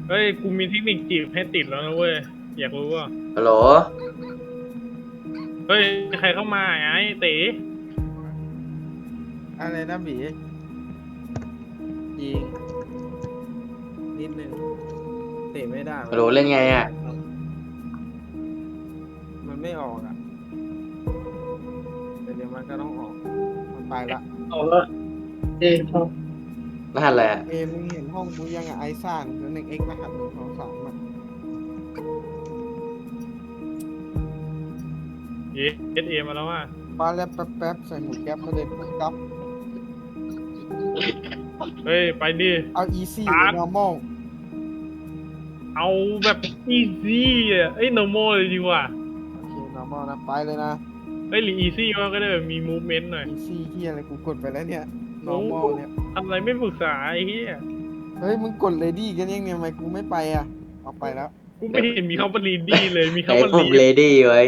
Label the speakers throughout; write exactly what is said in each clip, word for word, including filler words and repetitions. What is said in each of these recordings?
Speaker 1: เฮ้ยกูมีเทคนิคจีบให้ติดแล้วนะเว้ยอยากรู้ว่า
Speaker 2: ฮัลโหล
Speaker 1: เฮ้ยใครเข้ามาไอ้เต๋
Speaker 3: อะไรนะบีจริงนิดนึงเตะไม่ได้
Speaker 2: ฮัลโหลเล่นไงอ่ะ
Speaker 3: มันไม่ออกอ่ะแต่เดี๋ยวมันก็ต้องออกมันไปละ
Speaker 1: เอาละเอ๊ะชอบ
Speaker 2: รหัสอะไรอ่ะ
Speaker 3: เอมึงเห็นห้องกูยังอ่ะไอซ่านแล้วหนึ่งเอ็กรหัสหนึ่งสองสามอ่ะ
Speaker 1: เอสเอมาแล้วว่า
Speaker 3: ปาแล้วแป๊บแป๊บใส่หมูแก๊ปมาเลยปุ๊บปั๊บ
Speaker 1: เฮ้ยไปดิ
Speaker 3: เอาอีซี่หรือ normal
Speaker 1: เอาแบบอีซี่อ่ะเอ้ย normal เลยดีกว่า
Speaker 3: โอเค normal นะไปเลยนะ
Speaker 1: เฮ้ยหรืออีซี่ก็ได้แบบมี movement หน่อย
Speaker 3: อีซี่ที่อะไรกูกดไปแล้วเนี่ย
Speaker 1: โอ้
Speaker 3: normal เนี่ย
Speaker 1: ทำอะไรไม่ปรึกษาไอ้เหี้ย
Speaker 3: เฮ้ยมึงกดเลดี้กันยังเนี่ยทำไมกูไม่ไปอ่ะเอาไปแล้ว
Speaker 1: กูไม่เห็นมีคำว่า ready เลยมี
Speaker 2: ไอ้
Speaker 1: คำว่า
Speaker 2: ผม
Speaker 1: read
Speaker 2: เลดี้ไว้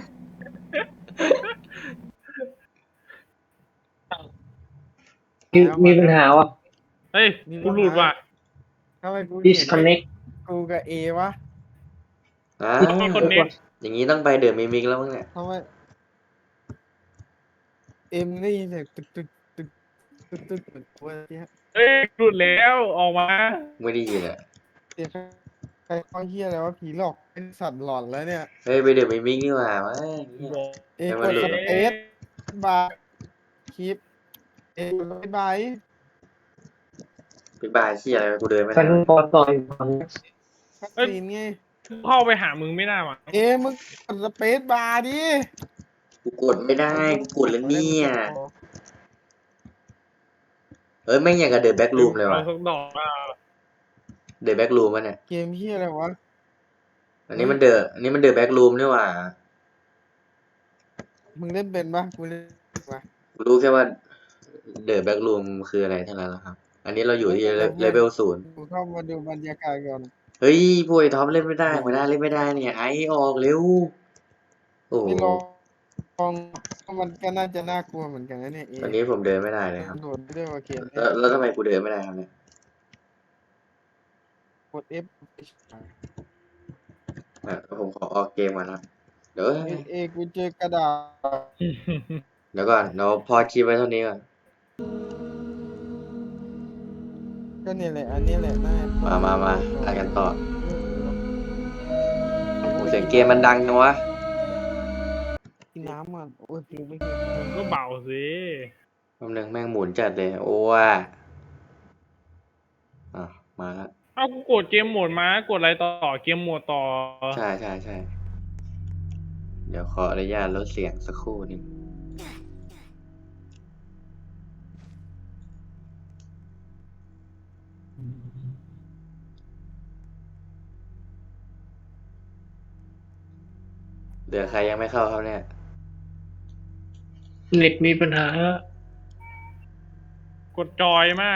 Speaker 4: มีมีปัญหาวะ
Speaker 1: เฮ้ยกูหลุดว่ะ
Speaker 3: ทำไมกูเห็น
Speaker 4: disconnect
Speaker 3: กูกับเอวะ
Speaker 2: อ้า
Speaker 1: มีคน
Speaker 2: ว
Speaker 1: เน็ก
Speaker 2: อย่างนี้ต้องไปเดอะมิมิกแล้วมั้งเนี่ย
Speaker 3: ทำไมเอ็มได้ยินเสียงตึกตึกตึกตึกตึกเหมือนกูเนี่ย
Speaker 1: เฮ้ยหลุดแล้วออกมา
Speaker 2: ไม่ได้ยินอ่ะ
Speaker 3: เสียงใครเข้าเฮียอะไรวะผีหลอกเป็นสัตว์หลอนแล้วเนี่ย
Speaker 2: เฮ้ยไปเดอะมิมิกนี่หว่ามา
Speaker 1: บอก
Speaker 3: เอกดสเปซบาร์คลิปเอกดสเปซบาร์
Speaker 2: ไปบายขี้อะไรกูเดินไม่
Speaker 4: ฉั
Speaker 2: ได้
Speaker 4: นพอต่อยฟัง
Speaker 3: คัดซีนไง
Speaker 1: เข้าไปหามึงไม่ได้ว่ะ
Speaker 3: เอมึงกดสเปซบาร์ดิ
Speaker 2: กูกดไม่ได้กูกดแล้วเนี่ยเฮ้ยแม่งอย่างกับเดอะแบ็กรูมเลยว่ะ
Speaker 1: เอาสักดอกอ่ะ
Speaker 2: เดอะแบ็กรูมวะเนี่ย
Speaker 3: เกมเฮียอะไรวะ
Speaker 2: อันนี้มันเดอะอันนี้มันเดอะแบ็กรูมนี่หว่า
Speaker 3: มึงเล่นเป็นปะกูเล่นปะ
Speaker 2: กูรู้แค่ว่าเดอะแบ็กรูมคืออะไรเท่านั้นแหละครับ อันนี้เราอยู่ที่เลเวลศูนย์
Speaker 3: กูเข้ามาดูบรรยากาศก่อน
Speaker 2: เฮ้ยพวกไอ้ท็อปเล่นไม่ได้หัวหน้าเล่นไม่ได้เนี่ยไอออกเร็วโอ้โห
Speaker 3: ไม่ลองลองมันก็น่าจะน่ากลัวเหมือนกันนะเนี่ยเอ
Speaker 2: ตอนนี้ผมเดินไม่ได้เลยครับ
Speaker 3: โดดด้วยว่าเกม
Speaker 2: แล้วแล้วทำไมกูเดินไม่ได้ครับเนี่ย
Speaker 3: กด F
Speaker 2: อ่ะผมขอออกเกมก่อนนะเดี๋ยว
Speaker 3: เอเอกูเจอกระดาษ
Speaker 2: เดี๋ยวก่อนเดี๋ยวพอคลิปไว้เท่านี้ก่อน
Speaker 3: ก็เนี่ยแหละอันนี้แหละน่า
Speaker 2: มามามาอ่านกันต่อโอ้เสียงเกมมันดังจังวะ
Speaker 3: กินน้ำมันโอ้ยเพลงไม่เคย
Speaker 1: มึงก็เบาสิ
Speaker 2: แป๊บนึงแม่งหมุนจัดเลยโอ้ว่าอ่ะมาแล้ว
Speaker 1: เอ้ากูกดเกมโหมดมากดอะไรต่อเกมโหมดต่อ
Speaker 2: ใช่ใช่ใช่เดี๋ยวขออนุญาตลดเสียงสักครู่หนึงเหลือใครยังไม่เข้าครับเนี่ย
Speaker 4: เน็ตมีปัญหา
Speaker 1: กดจอยมา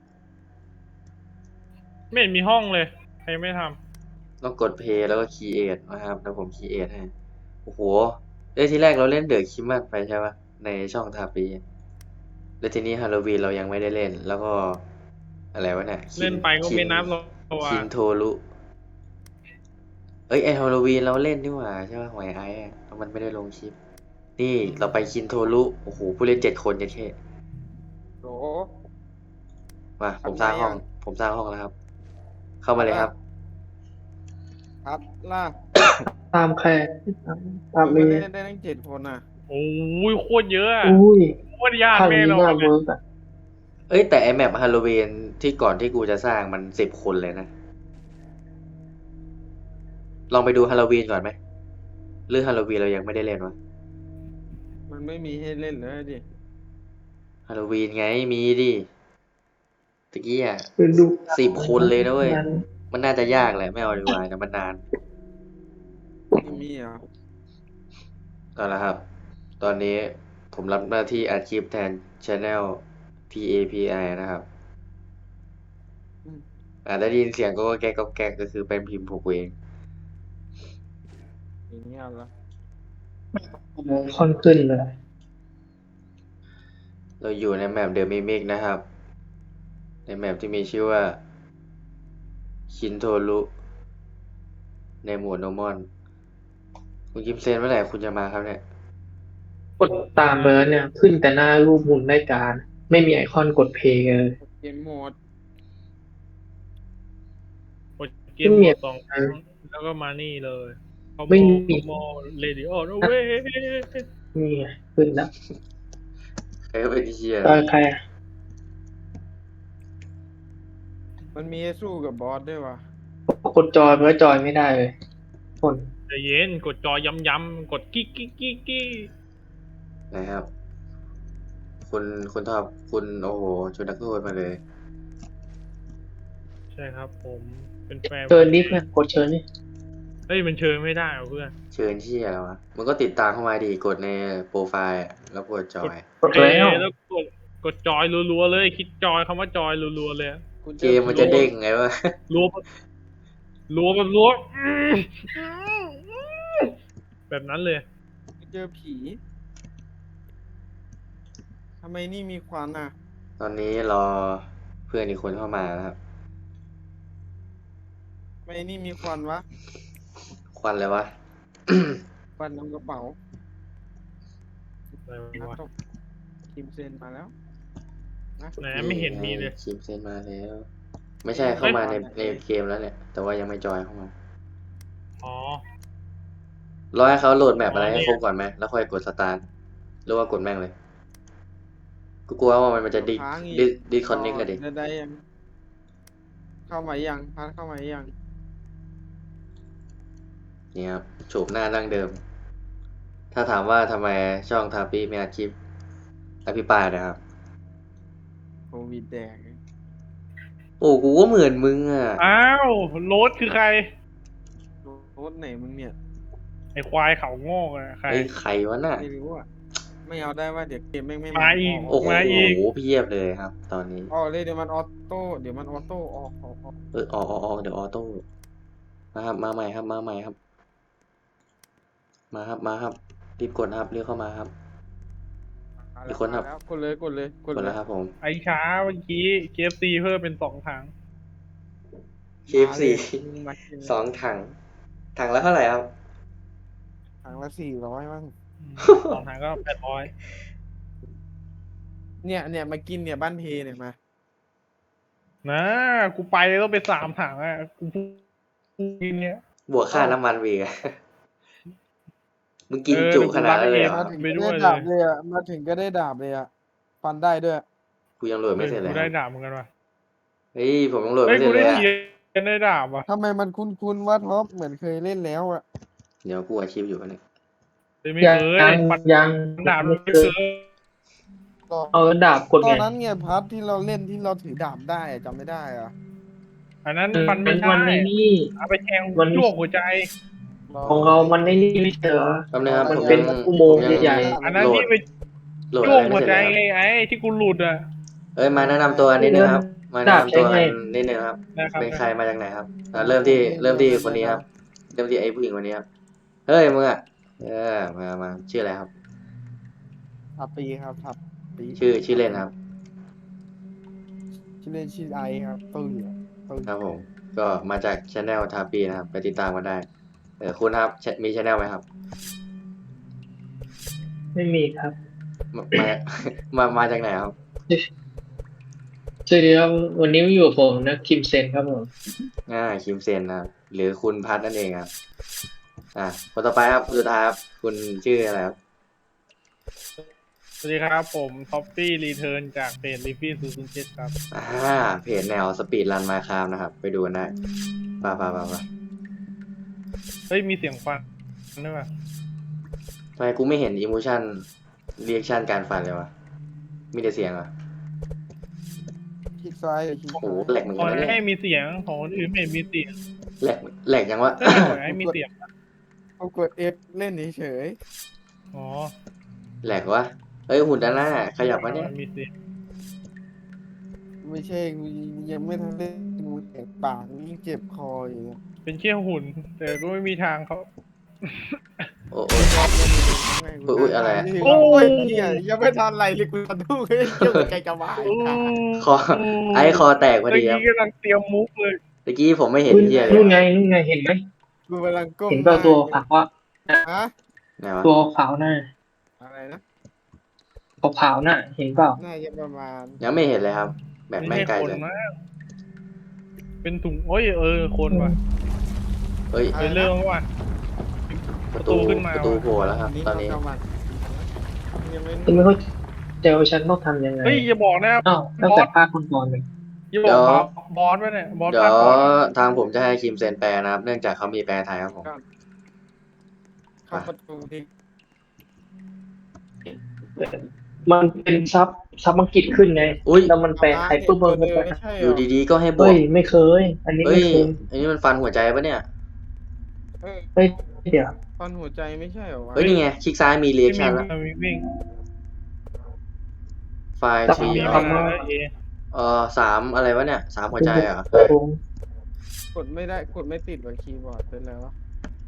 Speaker 1: ไม่เห็นมีห้องเลยใครไม่ทำ
Speaker 2: ต้องกดเพย์แล้วก็คีเอทนะครับแล้วผมคีเอทให้โอ้โหเอ้ยทีแรกเราเล่นเดอะคิมมันไปใช่ปะในช่องทาปีแล้วทีนี้ฮาโลวีนเรายังไม่ได้เล่น แล้วก็อะไรวะเนี่ยคิ
Speaker 1: เล่นไปก็
Speaker 2: คิ
Speaker 1: ไม่นับหรอก
Speaker 2: คินโทรุเอ้ยไอฮาโลวีนเราเล่นนี่หว่าใช่ปะหวยไอ้อะแล้วมันไม่ได้ลงคลิป นี่เราไปคินโทรุโอ้โหผู้เล่นเจ็ดคนจะเท่
Speaker 3: โห
Speaker 2: มาผมสร้างห้อง ผมสร้างห้องแล้วครับ เข้ามาเลยครับ
Speaker 3: ครับล่า
Speaker 4: ตามใครตามตาม
Speaker 3: ไม่
Speaker 4: เมี
Speaker 3: ได้ได้ทั้งเจ็ดคนอ่ะ
Speaker 1: โอ้ยโคตรเยอะอะ
Speaker 4: อุ้ย
Speaker 1: โคตรยาก
Speaker 4: ทาง
Speaker 1: แน่
Speaker 4: นี้
Speaker 1: นอ
Speaker 4: น่าน
Speaker 1: เล
Speaker 4: เวิ
Speaker 1: ย
Speaker 4: ร์กอ่ะ
Speaker 2: เอ้ยแต่ไอแมปฮาโลวีนที่ก่อนที่กูจะสร้างมันสิบคนเลยนะ ลองไปดูฮาโลวีนก่อนไหมหรือฮาโลวีนเรายังไม่ได้เล่นวะ
Speaker 3: มันไม่มีให้เล่นเลยดิ
Speaker 2: ฮาโลวีนไงมีดิตะกี้อ่ะ
Speaker 4: ไปดู
Speaker 2: สิบคนเลยนะเว้ย
Speaker 4: นั้น
Speaker 2: มันน่าจะยากแหละไม่เอาดีกว่านะมันนาน
Speaker 3: ไม่มีเหรอ
Speaker 2: เอาละครับ ตอนนี้ผมรับหน้าที่อัดคลิปแทน Channel ที เอ พี ไอ นะครับอาจจะได้ยินเสียงก็แก๊กก็แก๊กก็คือเป็นพิมพ์ผมเอง
Speaker 3: อย่างเงี้ยเหรอ
Speaker 4: ค่อนขึ้นเลย
Speaker 2: เราอยู่ในแมปเดอะมิมิกนะครับ ในแมปที่มีชื่อว่าชินโทรุในหมวดโนมอน คุณกิมเซนเมื่อไหร่คุณจะมาครับเนี่ย
Speaker 4: กดตามเบิร์ดเนี่ย ขึ้นแต่หน้ารูปหมุนรายการ ไม่มีไอคอนกดเพลย์เลย
Speaker 3: เกมโหมด
Speaker 1: กดเกมหมดสองครั้งแล้วก็มานี่เลยเขา
Speaker 4: ไม่มี
Speaker 1: มอเรดิโอโอเว้ย
Speaker 4: นี่ไงขึ้นแล้ว
Speaker 2: ใครก็เป็นเชียร์
Speaker 4: ตอนใครอะ
Speaker 3: มันมีให้สู้กับบอสด้วยวะ
Speaker 4: กดจอยเบิร์ดจอยไม่ได้เลยคน
Speaker 1: ใจเย็นกดจอย้ำๆกดกิ๊กกิ๊กกิ๊กกิ๊ก
Speaker 2: นะครับ คุณคุณทอบคุณโอ้โหชวนนักโทษมาเลย
Speaker 1: ใช่ครับผมเป็นแฟน
Speaker 4: เชิญนี่เพื่อนกดเชิญนี่
Speaker 1: เฮ้ยมันเชิญไม่ได้เหรอเพื่อน
Speaker 2: เชิญเชียร์แล้ววะมันก็ติดตามเข้ามาดีกดในโปรไฟล์อะแล้วกดจอย
Speaker 4: กดแล้ว
Speaker 1: เอ้ยแล้วกดกดจอยรัวๆเลย คิดจอยคำว่าจอยรัวๆเลยอะ
Speaker 3: คุณ
Speaker 2: เกมมันจะเด้งไงวะ
Speaker 1: รัวแบบรัวแบบรัวอื้อแบบนั้นเลย
Speaker 3: เจอผีทำไมนี่มีควันอ่ะ
Speaker 2: ตอนนี้รอเพื่อนอีกคนเข้ามานะครับ
Speaker 3: ทำไมนี่มีควันวะ
Speaker 2: ควันเลยวะ
Speaker 3: ควันนำกระเป๋า
Speaker 1: อะไร
Speaker 3: นัด
Speaker 1: วะ
Speaker 3: ตกคิมเซนมาแล้วนะ
Speaker 1: ไหนไม่เห็นมีเลย
Speaker 2: คิมเซนมาแล้ว ไม่ใช่เข้ามาในในเกมแล้วเนี่ย แต่ว่ายังไม่จอยเข้ามา
Speaker 1: อ๋อ
Speaker 2: รอให้เขาโหลดแมปอะไร
Speaker 1: อ๋อ
Speaker 2: ให้
Speaker 1: เนี่ย
Speaker 2: ครบก่อนไหมแล้วค่อยกดสตาร์ทหรือว่ากดแม่งเลย กูกลัวว่ามันจะดิ
Speaker 3: ค้างอีก
Speaker 2: ดิดิคอนเน็กเลยดิ
Speaker 3: ได้ได้ยัง เข้ามายังพัดเข้ามายัง
Speaker 2: นี่ครับโฉมหน้าดั้งเดิม ถ้าถามว่าทำไมช่องทาปี้ไม่อัดคลิปอภิปรายนะครับ
Speaker 3: โควิดแดง
Speaker 2: โอ้กูก็เหมือนมึงอ่ะ
Speaker 1: อ้าวโรสคือใคร
Speaker 3: รถไหนมึงเนี่ย
Speaker 1: ไอควายเขาโง่อะใคร
Speaker 2: ไอ้ใครวะน่ะ
Speaker 3: ไม่รู้อ่ะ ไม่เอาได้ว่าเดี๋ยวเกมแม่งไม่
Speaker 1: มาอีก
Speaker 2: โอ้โห
Speaker 1: มาอีก
Speaker 2: เพียบเลยครับ ตอนนี้
Speaker 3: ออกเลยเดี๋ยวมันออโต้เดี๋ยวมันออโต้ออกออกออก
Speaker 2: เออออกออกออกเดี๋ยวออโต้มาครับ มาใหม่ครับ มาใหม่ครับ มาครับ มาครับ รีบกดนะครับเรียกเข้ามาครับ
Speaker 3: มา
Speaker 2: อีกคนครับ
Speaker 3: มาแล้วกดเลยกดเลยก
Speaker 2: ก
Speaker 3: ด
Speaker 2: ด
Speaker 3: เล
Speaker 2: แล้
Speaker 3: ยว
Speaker 2: ครับผม
Speaker 1: ไอช้าเมื่อกี้ เค เอฟ ซี เพิ่มเป็นสองถัง
Speaker 2: เค เอฟ ซี
Speaker 3: มากิน
Speaker 2: สองถัง ถังละเท่าไหร่ครับ
Speaker 3: ถังละสี่ร้อยมั้ง
Speaker 1: อืมสองถังก็แปดร้อย
Speaker 3: เนี่ยเนี่ยมากินเนี่ยบ้านเพเนี่ยมา
Speaker 1: นะกูไปต้องไปสามถังอ่ะกูพูดกินเนี่ย
Speaker 2: บวกค่าน้ำมันวีกอะ มึงกิน
Speaker 1: เออ
Speaker 2: จุขนาดนั้นเลยเหร
Speaker 1: เดี๋ยวกูรับ
Speaker 2: อ
Speaker 1: ไปด้วย
Speaker 3: ดาบเลยอ่ะมาถึงก็ได้ดาบเลยอ่ะฟันได้ด้วย
Speaker 2: กูยังโหลดไม่เสร็จเลย
Speaker 1: กู
Speaker 2: ค
Speaker 1: ได้
Speaker 2: รับ
Speaker 1: ดาบเหมือนกันว่ะ
Speaker 2: เฮ้ยผมยังโหลด
Speaker 1: เฮ้ย
Speaker 2: ไม่เสร็
Speaker 1: กู
Speaker 2: จเล
Speaker 1: ได้
Speaker 2: ยอะ
Speaker 1: เทียนได้ดาบว่ะ
Speaker 3: ทำไมมันคุ้นๆว่าท็อปเหมือนเคยเล่นแล้วอ่ะ
Speaker 2: เดี๋ยวกูอาชีพอยู่วะเนี่ย
Speaker 1: เฮ้ยไม่
Speaker 4: ยัง
Speaker 1: เคย
Speaker 4: ยัง
Speaker 1: ฟัน
Speaker 4: ยัง
Speaker 1: ดาบ
Speaker 4: ไม่
Speaker 1: ไม่
Speaker 4: เค
Speaker 1: เค
Speaker 4: ย
Speaker 1: ย
Speaker 4: เอาดาบกด
Speaker 3: ตอ
Speaker 4: ไง
Speaker 3: นนั้นไงพัทที่เราเล่นที่เราถือดาบได้อะจำไม่ได้อ่ะ
Speaker 1: อันนั้นฟันไม่
Speaker 4: มัน
Speaker 1: ได้
Speaker 4: ในนี่
Speaker 1: เอาไปแทง
Speaker 4: มัน
Speaker 1: จ้วงหัวใจ
Speaker 4: ของเรามันในนี่ไม่ใช่เหรอ
Speaker 2: แป๊บนึงครับ
Speaker 4: มัน
Speaker 2: ผม
Speaker 4: เป็น
Speaker 2: ยัง
Speaker 4: อุโมงค์
Speaker 2: ผมยัง
Speaker 4: ใหญ่
Speaker 1: อันนั้น
Speaker 2: โหลด
Speaker 1: ที่ไป
Speaker 2: โหลด
Speaker 1: จ้
Speaker 2: อะ
Speaker 1: วง
Speaker 2: ไร
Speaker 1: หั
Speaker 2: ไม่
Speaker 1: ว
Speaker 2: เส
Speaker 1: ใจ
Speaker 2: ร็จเลย
Speaker 1: ไงไอ้ที่กูหลุดอ่ะ
Speaker 2: เอ้ยมาแนะนำตัวนิดนึงครับ มาแนะนำตัวกันนิดนึงครับ
Speaker 1: นะครับ
Speaker 2: เป็นใครมาจากไหนครับอ่ะเริ่มที่เริ่มที่คนนี้ครับ เริ่มที่ไอ้ผู้หญิงคนนี้ครับ เฮ้ยมึงอ่ะ เออมามาชื่ออะไรครับ
Speaker 3: ทับปีครับทับปี
Speaker 2: ชื่อชื่อเล่นครับ
Speaker 3: ชื่อเล่นชื่อไอครับตุ้ยอะตุ้ย
Speaker 2: ครับผม ก็มาจากช anel ทาปีนะครับ ไปติดตามกันได้ เออคุณครับ มีช anel ไหมครับ
Speaker 4: ไม่มีครับ
Speaker 2: มามา มามาจากไหนครับ
Speaker 4: สวัสดีครับวันนี้มาอยู่กับผมนะคิมเซนครับผม
Speaker 2: อ่าคิมเซนนะครับ หรือคุณพัทนั่นเองครับ อ่าคนต่อไปครับสุดท้ายครับ คุณชื่ออะไรครับ
Speaker 1: สวัสดีครับผมท็อปปี้รีเทิร์นจากเพจลิฟฟี่ศูนย์ศูนย์เจ็ดครับ
Speaker 2: อ่าเพจแนวสปีดรันมาคามนะครับ ไปดูกันได้ป่าป่าป่าป่า
Speaker 1: เฮ้ยมีเสียงฟันด้วยป่ะ
Speaker 2: ทำไมกูไม่เห็นอิมูชันเรียกชันการฟันเลยวะ มีแต่เสียงเหรอ
Speaker 3: คลิกซ้ายหรือคลิก
Speaker 2: โอ้โห
Speaker 3: ซ้าย
Speaker 2: แหลกเหมือน
Speaker 1: ขอ
Speaker 2: กันนะ
Speaker 1: ให้
Speaker 2: เนี่ย
Speaker 1: มีเสียงของคนอื่นไม่เห็นมีเสียง
Speaker 2: แหลกแหลกยังวะ
Speaker 1: เฮ้ยขอให้มีเสียง
Speaker 3: เอากด F เล่นเฉย
Speaker 1: อ๋อ
Speaker 2: แหลกวะ เฮ้ยหุ่นด้านหน้าขยับวะเนี่ย
Speaker 1: มีเสียง
Speaker 3: ๆไม่ใช่กูยังไม่ทันเล่นกูแตกปากยิ่งเจ็บคออยู่เนี่ย
Speaker 1: เป็นเชี่ยหุ่น แต่ก็ไม่มีทางเขา
Speaker 2: โอ้โอ้ อุ๊ยอุ๊ยอะไรอะ
Speaker 3: โอ้ยเหี้ยยังไม่ทันไรเลยกูจะดูเฮ้ยเจ้าใจจะวาย
Speaker 1: โอ้
Speaker 2: คอ ไอ้คอแตกพอ
Speaker 1: เมื่อ
Speaker 2: ดีครับ
Speaker 1: กี้กำลังเตรียมมุกเลย
Speaker 2: ตะกี้ผมไม่เห็น
Speaker 4: นู่น
Speaker 2: เหี้ยเล
Speaker 4: นู่น
Speaker 2: ย
Speaker 4: ไงนู่นไงเห็นไหม
Speaker 3: กูกำลังก้ม
Speaker 4: เห็นเปล่าตัวขาวอะ
Speaker 3: ฮะ
Speaker 2: ไหนวะ
Speaker 4: ตัวขาวน่ะ
Speaker 3: อะไรนะ
Speaker 4: ขาวๆน่ะ เห็นเปล่า
Speaker 3: น่าจะประมาณ
Speaker 2: ยังไม่เห็นเลยครับ แบบ
Speaker 1: ไม่
Speaker 2: แม่ง
Speaker 1: ใช่
Speaker 2: ไกล
Speaker 1: คน
Speaker 2: เลย
Speaker 1: นะเป็นถุงโอ้ยเออคนว่ะ
Speaker 2: เฮ้ย
Speaker 1: ไปเริ่มว่ะ
Speaker 2: ประตู
Speaker 1: ขึ้นมา
Speaker 2: ประตูโผล่แล้วครับ ตอนนี้
Speaker 3: ประมาณยังไม่
Speaker 4: ฉันไม่เข้าใจว่าฉันต้องทำยังไง
Speaker 1: เฮ้ยอย่าบอกนะ
Speaker 4: อ้าวตั้งแต่ภาคคนก่อนเลย
Speaker 1: อย่าบอกบอสบอสไว้เนี่ยบอส
Speaker 2: เดี๋ย
Speaker 1: ภาว คก่อน
Speaker 2: ทางผมจะให้คิมเซนแปลนะครับ เนื่องจากเขามีแปลไทยครับผม
Speaker 3: เข้าประตูที่
Speaker 4: มันเป็นซับซับอังกฤษขึ้นไง
Speaker 2: อุ๊ย
Speaker 4: แล้วมันแปลไทยปุ๊บมันก็แปล
Speaker 3: ไม่ใช่เหร
Speaker 2: อยู่ดีๆก็ให้บว
Speaker 4: เฮ้
Speaker 2: ก
Speaker 4: ยไม่เคย อันนี้
Speaker 2: เฮ้
Speaker 4: ไม่
Speaker 2: ย
Speaker 4: เคย
Speaker 2: อันนี้มันฟันหัวใจปะเนี่ย
Speaker 3: เออ
Speaker 4: เฮ้ยเดี๋ยว
Speaker 3: ตอนหัวใจไม่ใช่เหรอวะ
Speaker 2: เฮ้ย นี่ไง คลิกซ้ายมีเรียกชันแล้ว
Speaker 1: วิ่งวิ่ง
Speaker 2: ไฟล์
Speaker 4: แต่
Speaker 2: ที
Speaker 1: วิ่ง
Speaker 2: เอ
Speaker 1: มา
Speaker 2: อ
Speaker 1: แล้วเอ
Speaker 2: เออสามอะไรวะเนี่ยสามหัวใจเหรอ
Speaker 4: โอ้โห
Speaker 3: กดไม่ได้กดไม่ติดกับคีย์บอร์ดเป็นไรวะ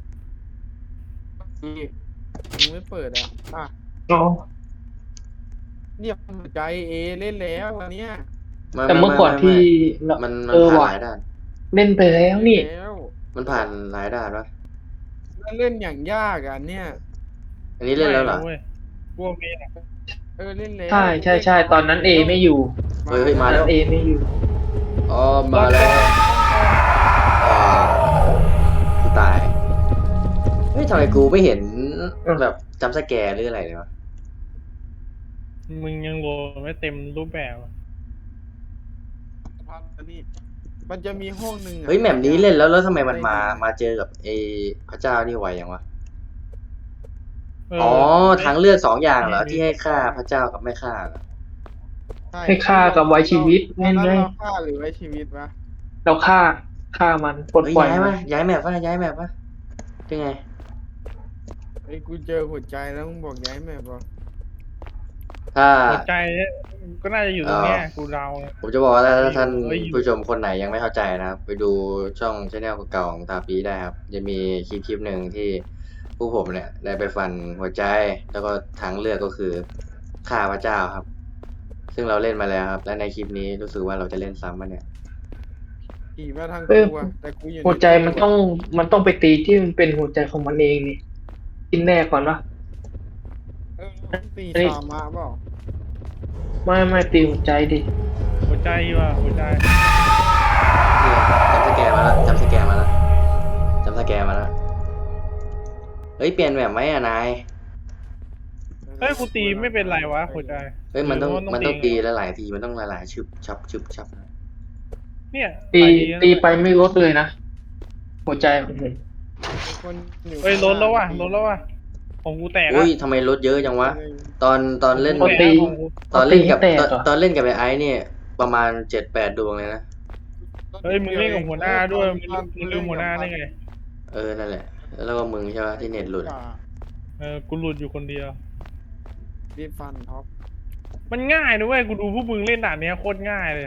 Speaker 3: อีมึงไม่เปิดอ่ะอ่ะ
Speaker 4: อ๋อ
Speaker 3: เนี่ยหัวใจเอเล่นแล้ววันเนี้ย
Speaker 4: แต่เมื่อก่อนที่เรา
Speaker 2: มันมัน
Speaker 4: เออ
Speaker 2: ผ่าน
Speaker 4: ว่ะ
Speaker 2: หลายด่าน
Speaker 4: เล่นไปแล้วนี่
Speaker 3: แล้ว
Speaker 2: มันผ่านหลายด่านวะ
Speaker 3: แล้วเล่นอย่างยากอ่ะเนี่ย
Speaker 2: อันนี้เล่นแล้วเหรอ
Speaker 1: ไม่ว้ยพวกนี้นะ
Speaker 3: เออเล่นแล้ว
Speaker 4: ใช่ใช่ใช่ตอนนั้นเอไม่อยู่
Speaker 2: เฮ้ยเฮ้ย
Speaker 4: ต
Speaker 2: มา
Speaker 4: อน
Speaker 2: แล้
Speaker 4: นั้
Speaker 2: ว
Speaker 4: นเอไม่อยู่
Speaker 2: อ๋อมาแล้วอ่ากูตาย เฮ้ยทำไมกูไม่เห็น
Speaker 4: เออ
Speaker 2: แบบจำสแกร์หรืออะไรเลยวะ
Speaker 1: มึงยังโหลดไม่เต็มรูปแบบอะ
Speaker 3: พักอันนี้มันจะมีห้องหนึ่งอะ
Speaker 2: เฮ้ยแมปนี้เล่นแล้วแล้วทำไมมันมา มาเจอกับไอ้พระเจ้านี่ไวอย่างวะ
Speaker 1: เ
Speaker 2: อ๋อทางเลือกสองอย่างเหรอที่ให้ฆ่าพระเจ้ากับไม่ฆ่าเหรอ
Speaker 3: ช่
Speaker 4: ให้ฆ่ากับไว้ชีวิต
Speaker 3: ตอนนั้น
Speaker 4: แน่ๆ
Speaker 3: เราฆ่าหรือไว้ชีวิตวะ
Speaker 4: เราฆ่าฆ่ามันปลด
Speaker 2: เฮ้ย
Speaker 4: ปล่อย
Speaker 2: ย้าย
Speaker 4: มั
Speaker 2: มาน ย้ายแมปวะย้ายแมปวะเป็นไง
Speaker 3: ไอ้ยกูเจอหัวใจแล้วมึงบอกย้ายแม่บอก
Speaker 2: ถ้า
Speaker 1: หัวใจก็น่าจะอยู่ตรงเนี้ยกูเดานะ
Speaker 2: ผมจะบอกว่าถ้าท่าน
Speaker 1: เฮ้ยอยู่
Speaker 2: ผู้ชมคนไหนยังไม่เข้าใจนะครับ ไปดูช่องช anel เก่าๆของตาปีได้ครับ จะมีคลิปคลิปหนึ่งที่ผู้ผมเนี่ยได้ไปฟันหัวใจ แล้วก็ทางเลือกก็คือฆ่าพระเจ้าครับ ซึ่งเราเล่นมาแล้วครับ และในคลิปนี้รู้สึกว่าเราจะเล่นซ้ำมาเนี่ย
Speaker 3: ขี่มาทาง
Speaker 4: เอ้ย
Speaker 3: กูอะแต่กูอยู่
Speaker 4: หัวใจมันต้องมันต้องไปตีที่มันเป็นหัวใจของมันเองนี่กินแน่ก่อนวะ
Speaker 3: เออต้องตี
Speaker 4: เอ้ย
Speaker 3: ชามาเปล่า
Speaker 4: ไม่ไม่ตีหัวใจดิ
Speaker 1: หัวใจว่ะหัวใจ
Speaker 2: นี่จำสแกนมาแล้วจำสแกนมาแล้วจำสแกนมาแล้ว เฮ้ยเปลี่ยนแบบไหมอะนาย
Speaker 1: เฮ้ยกูตีไม่เป็นไรวะหัวใจ
Speaker 2: เฮ้ยมันต้อง
Speaker 1: หรืว่า
Speaker 2: มันต้องตีหลายๆทีมันต้องหลายๆชึบชับชึบชับ
Speaker 1: เนี่ย
Speaker 4: ตี
Speaker 1: ไปดีนะ
Speaker 4: ตีไปไม่ลดเลยนะหัวใจของผม
Speaker 3: คนอยู่
Speaker 1: เฮ้ยลดแล้วว่ะลดแล้วว่ะของกูแตก
Speaker 2: อุ้
Speaker 1: อะ
Speaker 2: ยทำไมลดเยอะจังวะ ตอนตอนเล่น
Speaker 1: ของกูแตกของกู
Speaker 2: ตอนเล่นกับ
Speaker 4: ตีให้แต
Speaker 2: ตอน
Speaker 4: กเหรอ
Speaker 2: ตอนเล่นกับไอ้ไอ้เนี่ยประมาณเจ็ดแปดดวงเลยนะ
Speaker 1: เฮ้ยมึงเล่นกับหัวหน้าด้วยมึงมึงลืมหัวหน้าได้ไง
Speaker 2: เออนั่นแหละ แล้วก็มึงใช่ปะที่เน็ตหลุด
Speaker 1: เออกูหลุดอยู่คนเดียว
Speaker 3: รีบฟันท็อป
Speaker 1: มันง่ายนะเว้ยกูดูพวกมึงเล่นด่านเนี้ยโคตรง่ายเลย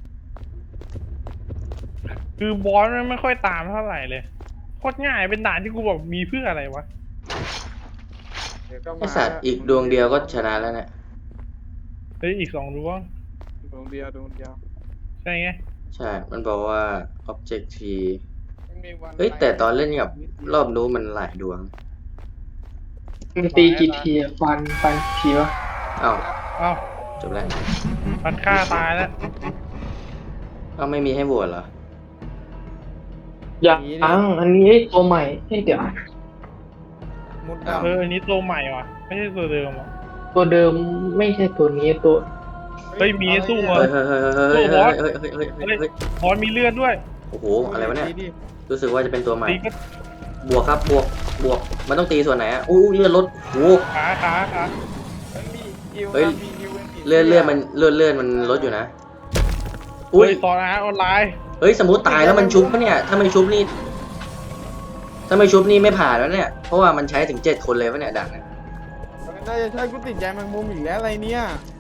Speaker 1: คือบอสมันไม่ค่อยตามเท่าไหร่เลยโคตรง่ายเป็นด่านที่กูบอกมีเพื่ออะไรวะ
Speaker 3: เดี๋ยวก็มา
Speaker 2: ไอสัตว์อีกดวงเดียวก็ชนะแล้วเนี่ย
Speaker 1: เฮ้ยอีกสองดวง
Speaker 3: ดวงเดียวดวงเดียว
Speaker 1: ใช่ไง
Speaker 2: ใช่ มันบอกว่า object t
Speaker 3: มันมีวัน
Speaker 2: เฮ้ยแต่ตอนเล่นกับรอบนู้นมันหลายดวง
Speaker 4: มันตีกี่ทีอะฟันฟันกี่ทีวะ
Speaker 2: เอ้า
Speaker 1: เอ้า
Speaker 2: จบแล้ว
Speaker 1: ปัดฆ่าตายแล้ว
Speaker 2: เอ้าไม่มีให้โหวตเหรอ
Speaker 4: อย่างอันนี้ตัวใหม่ให้เดี๋ยว
Speaker 3: มุด
Speaker 2: อ้าว
Speaker 1: เอออันนี้ตัวใหม่ว่ะไม่ใช่ตัวเดิมอ่ะ
Speaker 4: ตัวเดิมไม่ใช่ตัวนี้ตัว
Speaker 1: เฮ้ยมีให้สู้เหรอ
Speaker 2: เฮ้ยเฮ้ยเฮ้ยเฮ้ยเฮ้ยเฮ้ยเฮ้ยเฮ้ยเฮ้ยเฮ้ย
Speaker 1: บอสมีเลือดด้วย
Speaker 2: โอ้โหอะไรวะเนี่ย
Speaker 3: ดีดิ
Speaker 2: รู้สึกว่าจะเป็นตัวใหม่
Speaker 1: ตีก็
Speaker 2: บวกครับบวกบวกมันต้องตีส่วนไหนอ่ะอู้เลือดลดโอ้โห
Speaker 1: ขาขาขา
Speaker 3: มันมีอิว
Speaker 2: เฮ้ย
Speaker 3: มีอิวมี
Speaker 2: เลือดเลือดมันเลือดเลือดมันลดอยู่นะ
Speaker 1: อุ้
Speaker 2: อุ้
Speaker 1: ย
Speaker 2: ย
Speaker 1: ตอนอาร์ออนไลน์
Speaker 2: เฮ้ยสมมติตายแล้วมันชุบปะเนี่ยถ้าไม่ชุบนี่ถ้าไม่ชุบนี่ไม่ผ่านแล้วเนี่ยเพราะว่ามันใช้ถึงเจ็ดคนเลยปะเนี่ยด่านเนี่ย
Speaker 3: น่าจะใช่กูติดใจแมงมุมอีกแล้วอะไรเนี่ย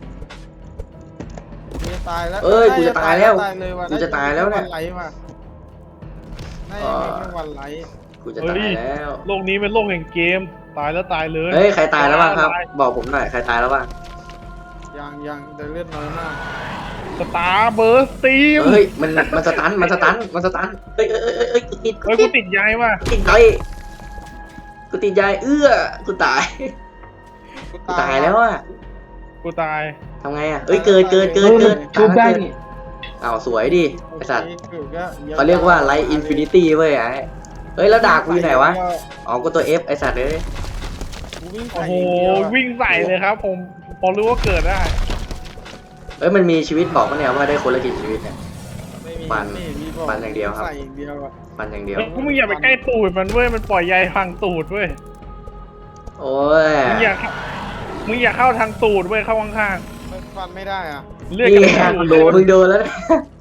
Speaker 3: กูจะตายแล้ว
Speaker 2: เอ้ยกูจะตายแล้ว
Speaker 3: ตายเลยว่ะ
Speaker 2: กูจะตายแล้วเนี่ย
Speaker 3: วันไหลว่ะน่าจะมีแค่วันไหล
Speaker 2: กูจะตายแล้ว
Speaker 1: โลกนี้เป็นโลกแห่งเกมตายแล้วตายเลย
Speaker 2: เฮ้ยใครตายแล้วบ้างครับ บอกผมหน่อยใครตายแล้วบ้าง
Speaker 3: ยังยังแต่เลือดน้อยมาก
Speaker 1: สตาร์เบิร์สตีม
Speaker 2: เฮ้ยมันมันสตันมันสตันมันสตันเอ้ยเอ้ยเอ้ยเอ้ยกูติดกู
Speaker 1: เฮ้ย
Speaker 2: ติ
Speaker 1: กู
Speaker 2: ด
Speaker 1: ติดยายว่ะ
Speaker 2: ติดใจกูติดใจเอื้อกูตายกูตายแล้วอ่ะ
Speaker 1: กูตาย
Speaker 2: ทำไงอ่ะเอ้ยเกิดเกิดเกิ
Speaker 4: เอ
Speaker 2: ด
Speaker 4: อ
Speaker 2: เกิด
Speaker 4: ชุบได้นี่
Speaker 2: อ้าวสวยดิไอสัตว์
Speaker 3: โอเคก็
Speaker 2: เขาเรียกว่าไลท์อินฟินิตี้เว้ยไอ้เฮ้ยแล้วดาบกูอยู่ไหนวะอ๋อกูตัว F ไอสัตว์เลย
Speaker 3: กูวิ่ง
Speaker 1: โอ้
Speaker 3: ใส่
Speaker 1: โห
Speaker 3: อย่างเดียวอะ
Speaker 1: วิ่งใส่เลยครับ ผมพอรู้ว่าเกิดได้
Speaker 2: เอ้ยมันมีชีวิตบอกปะเนี่ยว่าได้คนละกี่ชีวิตเนี่ย
Speaker 3: ไม่มี
Speaker 2: ปั่น
Speaker 3: ไม่มีบอก
Speaker 2: ปั่นอย่างเดียวครับ
Speaker 3: ใส่อย่างเดียวอะ
Speaker 2: มันอย่างเดียว
Speaker 1: เฮ้ยพวกมึงอย่าไปใกล้ตูดมันเว้ย มันปล่อยใยพังตูดเว้ย
Speaker 2: โอ้ย
Speaker 1: มึงอย่าเข้ามึงอย่าเข้าทางตูดเว้ย เข้าข้าง
Speaker 3: มันฟันไม่ได้อ่ะ
Speaker 1: ๆ เลือด
Speaker 2: นี่
Speaker 1: กระ
Speaker 2: ไง
Speaker 1: ตูด
Speaker 2: มึงโดนแล้วนะ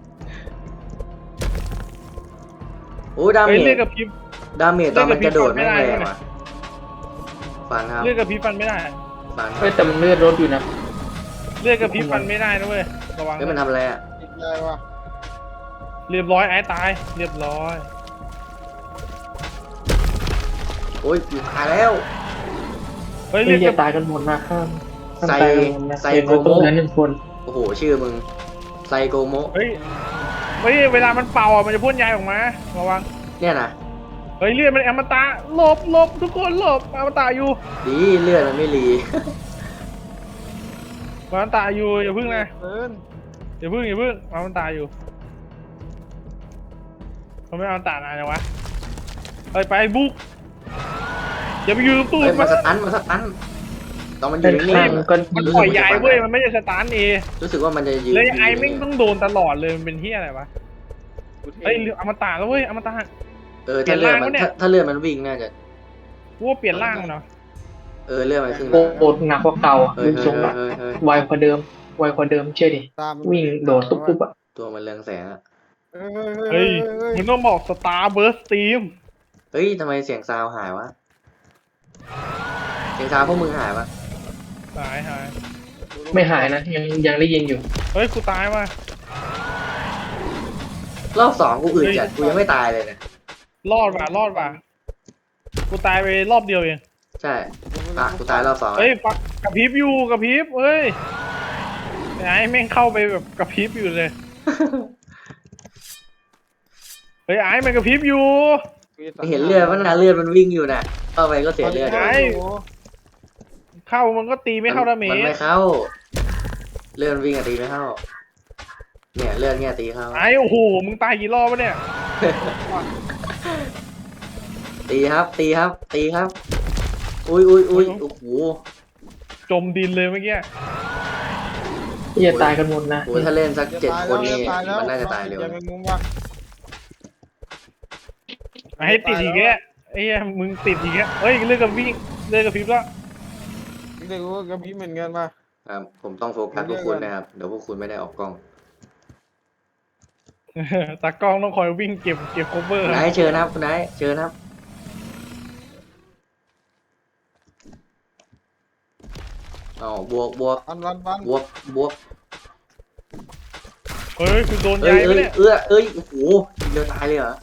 Speaker 2: โอ้ดาเม
Speaker 1: เฮ้ย
Speaker 2: จ
Speaker 1: เลือดกระพริบ
Speaker 2: ดาเมจตอนมันกระโดดแม่งแรง
Speaker 1: เลือดกระพริบ
Speaker 2: ว่ะฟันครับ
Speaker 1: เลือดกระพริบฟันไม่ได้
Speaker 2: ฟันครั
Speaker 4: เฮ้ย
Speaker 2: บ
Speaker 4: แต่มันเลือดลดอยู่นะ
Speaker 1: เลือดกระพริบฟันไม่ได้นะเว้ย ระวัง
Speaker 2: เฮ้ยมันทำอะไรอ่ะ
Speaker 3: ติดใจว่ะ
Speaker 1: เรียบร้อยไอ้ตาย เรียบร้อย
Speaker 2: โอ้ยกูตายแล้ว
Speaker 1: เฮ้ย
Speaker 4: เฮ้
Speaker 1: เลื
Speaker 4: ย
Speaker 1: อดก
Speaker 4: จะ
Speaker 1: ระ
Speaker 4: ตายกันหมดนะข้ามข้าม
Speaker 2: ไซ
Speaker 4: ตายกันหมดนะ
Speaker 2: ไซ
Speaker 4: เห็น
Speaker 2: โก
Speaker 4: ว่า
Speaker 2: โม
Speaker 4: ตรงนั้นหนึ่งคน
Speaker 2: โอ้โหชื่อมึงไซโกโม
Speaker 1: เฮ้ย เฮ้ย เวลามันเป่าอ่ะ มันจะพ่นใยออกมา ระวัง
Speaker 2: เนี่ยนะ
Speaker 1: เฮ้ย เลือดมันอมตะหลบหลบทุกคนหลบอมตะอยู่
Speaker 2: ดีเลือดมันไม่รี
Speaker 1: อมตะอยู่ อย่าพึ่งนะ
Speaker 3: เอิน
Speaker 1: อย่าพึ่งอย่าพึ่งอมตะอยู่เขาไม่อมตะนานจังวะเฮ้ยไปบุกอย่าไปยืมตูด
Speaker 2: เฮ้ย
Speaker 1: มั
Speaker 2: มาน สตันมาสตันตอนมันอ
Speaker 4: เป็
Speaker 2: ยู่
Speaker 4: น
Speaker 2: นิ่
Speaker 4: ข้าง ง
Speaker 2: ๆอะ
Speaker 4: ก็
Speaker 1: มัน
Speaker 4: ยิง
Speaker 1: ปล่อยยายเว้ย มันไม่ใช่สตาร์ทเอ
Speaker 2: รู้สึกว่ามันจะยืน
Speaker 1: เลยไอ้
Speaker 2: ยู่
Speaker 1: แม่งต้องโดนตลอดเลย มันเป็นที่อะไรวะ
Speaker 3: กูเท่
Speaker 1: เฮ้ยอมตะแล้วเว้ยอมตะ
Speaker 2: เออถ้าเลือดมัน
Speaker 1: เปลี่ยนร่างวะเนี่ย
Speaker 2: ถ้าถ้าเลือดมันวิ่งน่าจะ
Speaker 1: กูว่าเปลี่ยนร่างเนาะ
Speaker 2: เออเลือดมันขึ้น
Speaker 4: โคตรหนักกว่าเก่าอ่ะ
Speaker 2: เฮ้ย
Speaker 4: ดูทรงละ
Speaker 2: เฮ้ยเฮ้ย
Speaker 4: ไวกว่าเดิมไวกว่าเดิมเชื่อดิ
Speaker 3: ตาม
Speaker 4: วิ่งโดดตุ๊บตุ๊บอ่ะ
Speaker 2: ตัวมันเรืองแสงอะ
Speaker 3: เฮ้ย
Speaker 1: เฮ้ยมึงต้องบอกสตาร์เบิร์สตีม
Speaker 2: เฮ้ยทำไมเสียงซาวหายวะเสียงซาวพวกมึงหายวะ
Speaker 1: หายหาย
Speaker 4: ไม่หายนะยังยังได้ยินอยู่
Speaker 1: เฮ้ยกูตายว่ะ
Speaker 2: รอบสองกูอื่น
Speaker 1: เฮ้ย
Speaker 2: จัดกูยังไม่ตายเลยเนี่ย
Speaker 1: รอดว่ะรอดว่ะกูตายไปรอบเดียวเอง
Speaker 2: ใช่อ่ะกูตายรอบสอง
Speaker 1: เฮ้ยฟักกระพริบอยู่กระพริบเฮ้ยไอ้แม่งเข้าไปแบบกระพริบอยู่เลยเฮ้ยไอ้มันกระพริบอยู่
Speaker 2: เห็นเลือดมันนะเลือดมันวิ่งอยู่น่ะเข้าไปก็เสียเลือด
Speaker 1: ไอ้ เข้ามันก็ตีไม่เข้าดาเม
Speaker 2: มัน
Speaker 1: จ
Speaker 2: ไม่เข้า เลือดมันวิ่งอะตีไม่เข้า เนี่ยเลือดเนี่ยตีเข้า
Speaker 1: ไอ้โอ้โหมึงตายกี่รอบวะเนี่ย
Speaker 2: ตีครับ ตีครับ ตีครับ อุ้ยอุ้ยอุ้ยโอ้โห
Speaker 1: จมดินเลยเมื่อกี้
Speaker 4: ที่จะตายกันหมดนะ
Speaker 2: โอ้ยถ้าเล่นสัก
Speaker 3: จะ
Speaker 2: เจ็ด
Speaker 3: ตาย
Speaker 2: คน
Speaker 3: แล้ว
Speaker 2: นี่
Speaker 3: จะตายแล้ว
Speaker 2: มันน่าจะตายเร็ว
Speaker 3: ยัง
Speaker 2: นะ
Speaker 3: ไงมุมวะ
Speaker 1: ไอ้ให้ติดอีกแกไอ้เหี้ยมึงติดอีกแกเฮ้ยเลือกกับวิ่งเลือกกับพริบแล้ว
Speaker 3: เด็กว่ากับพี่เหมือนกันป่ะ
Speaker 2: ครับ ผมต้องโฟกัสพวกคุณนะครับ เดี๋ยวพวกคุณไม่ได้ออกกล้อง
Speaker 1: ตากล้องต้องคอยวิ่งเก็บเก็บโคเวอร์
Speaker 2: คุณไอซ์เชิญนะครับคุณไอซ์เชิญนะครับอ๋อบวกบวก
Speaker 3: วันวันวัน
Speaker 2: บวกบวก
Speaker 1: เฮ้ยคือโดน
Speaker 2: เอ้
Speaker 1: ยาย ย
Speaker 2: เอ้
Speaker 1: ไป
Speaker 2: ย
Speaker 1: เนี่ย
Speaker 2: เอื้อเอ้ยโอ้โหเดียวตายเลยเหรอ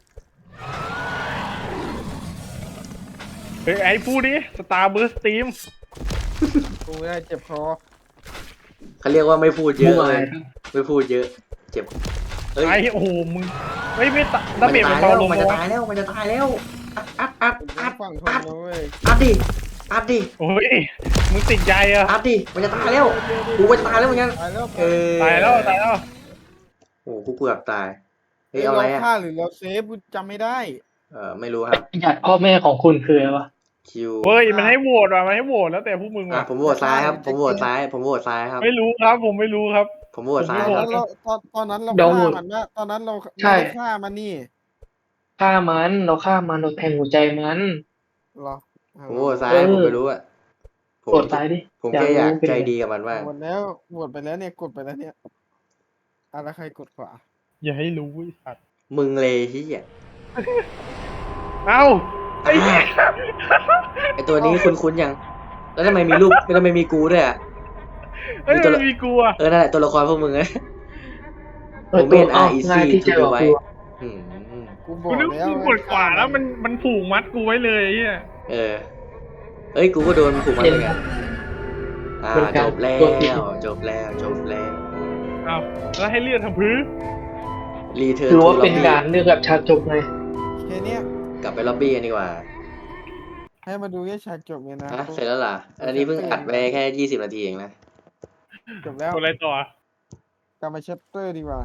Speaker 1: เฮ้ยไอ้พูดดิสตาร์เบิร์สตีม
Speaker 3: กูไม่ได้เจ็บคอ
Speaker 2: เขาเรียกว่าไม่พูดเย
Speaker 4: เมื่
Speaker 2: อะ
Speaker 4: อวา
Speaker 2: เล
Speaker 4: น
Speaker 2: ยไม่พูดเยอะ เจ็บเอ้ย
Speaker 1: ไอ้โอ้โหมึงไม่ไม่ตะดา
Speaker 2: มัน
Speaker 1: เมจ
Speaker 2: จะ
Speaker 1: มั
Speaker 2: ตาน ยแล้
Speaker 1: เบาว ลง
Speaker 2: มันจะ
Speaker 1: วะ
Speaker 2: ตายแล้วมันจะตายแล้วอัดอัด
Speaker 3: กู
Speaker 2: อัด
Speaker 3: ฝั่งทน
Speaker 2: อัด
Speaker 3: นะเว้ย
Speaker 2: อัดดิอัดดิ
Speaker 1: โอ้ยมึงติดใจอะ
Speaker 2: อัดดิมันจะตายแล้วกูก็จะตายแล้วเหมือนกัน
Speaker 3: ตายแล้ว
Speaker 2: เออ
Speaker 1: ตายแล้วตายแล้ว
Speaker 2: โอ้กูเกือบตายเฮ้ย
Speaker 3: เรา
Speaker 2: เอาอะไรอ่ะ
Speaker 3: ฆ่าหรือเราเซฟกูจำไม่ได้
Speaker 2: เออไม่รู้ครับ
Speaker 4: ญาติพ่อแม่ของคุณคืออะไรวะ
Speaker 2: คิว
Speaker 1: เฮ้ยมันให้โหวตว่ะมันให้โหวตแล้วแต่พวกมึง
Speaker 2: อ่ะ
Speaker 1: ว่ะ
Speaker 2: ผมโหวตซ้ายครับ ผมโหวตซ้าย ผมโหวตซ้ายครับ
Speaker 1: ไม่รู้ครับผมไม่รู้ครับ
Speaker 2: ผมโหวตซ้าย
Speaker 1: ผม
Speaker 2: ค
Speaker 1: ไม่
Speaker 2: รับ
Speaker 1: โหว
Speaker 3: ตอนเราตอนตอนนั้นเรา
Speaker 4: เดี๋ยว
Speaker 3: ฆ่า
Speaker 4: หมด
Speaker 3: มันนะตอนนั้นเรา
Speaker 4: ใช่
Speaker 3: ไม่ได้ฆ่ามันนี่
Speaker 4: ฆ่ามันเราฆ่ามันเราแทงหัวใจมัน
Speaker 3: เหรอ
Speaker 2: ผมโหวตซ้าย
Speaker 4: เออ
Speaker 2: ผมไม่รู้อ่ะผม
Speaker 4: กดตายดิ
Speaker 2: ผมแค่อยาก
Speaker 4: รู้เป็น
Speaker 2: ใจ
Speaker 4: ไง
Speaker 2: ดีกับมันมาก
Speaker 3: หมดแล้วหมดไปแล้วเนี่ยกดไปแล้วเนี่ยอะไรใครกดขวา
Speaker 1: อย่าให้รู้ไอ้สัตว์
Speaker 2: มึงเลยที่อ่ะ
Speaker 1: เอ้าไอ้เหี้ย
Speaker 2: ไอตัวนี้คุ้นๆยัง แล้วทำไมมีรูปแล้วทำไมมีกูด้วยอ่ะ
Speaker 1: เฮ้ย
Speaker 2: มีตัว
Speaker 1: มันมีกลัว
Speaker 2: เออ นั่นแหละตัวละครพวกมึงไง
Speaker 4: เออ
Speaker 2: ผม
Speaker 4: ตัว
Speaker 2: เป็น
Speaker 4: อ้อ
Speaker 2: R E C
Speaker 4: ง่ายที่จะออก
Speaker 2: to
Speaker 4: ตัว
Speaker 2: อืม
Speaker 3: กูบอ
Speaker 1: กู
Speaker 3: ก
Speaker 1: นึก
Speaker 3: แล้ว
Speaker 1: กูกดขวาแล้วมันมันผูกมัดกูไว้เลยไอ้เฮีย
Speaker 2: เออ เอ้ย กูก็โดนผูกมัดเหมือนกันอ่า
Speaker 4: เหมือนกัน
Speaker 2: จบแล้
Speaker 4: ตัวผิด
Speaker 2: ว จบแล้ว จบแล้ว
Speaker 1: เอาแล้วให้เลื่อนทำพื้น
Speaker 2: รีเทิร์น
Speaker 4: คือ
Speaker 2: ทู
Speaker 4: ว่า
Speaker 2: ล็อ
Speaker 4: เป็น
Speaker 2: บบี้
Speaker 4: การเลือกแบบฉากจบไง
Speaker 3: แค่เนี้ย
Speaker 2: กลับไปล็อบบี้กันดีกว่า
Speaker 3: ให้มาดูแค่ฉากจบเนี่ยนะ
Speaker 2: ฮะเสร็จแล้วล่ะ อันนี้เพิ่งอัดไปแค่ยี่สิบนาทีเองนะ
Speaker 3: จบแล้ว
Speaker 1: กดอะไรต่อก
Speaker 3: ลับมาเชปเตอร์ดีกว่า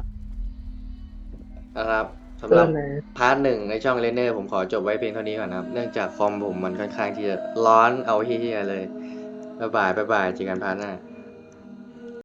Speaker 2: นะครับสำห
Speaker 4: เริ่
Speaker 2: รับ
Speaker 4: มเลย
Speaker 2: พาร์ทหนึ่งในช่องเลนเนอร์ผมขอจบไว้เพียงเท่านี้ก่อนนะครับ เนื่องจากคอมผมมันค่อนข้างที่จะร้อนเอาเฮี้ยๆเลย บ๊ายบาย บ๊ายบายเจอกันพาร์ทหน้า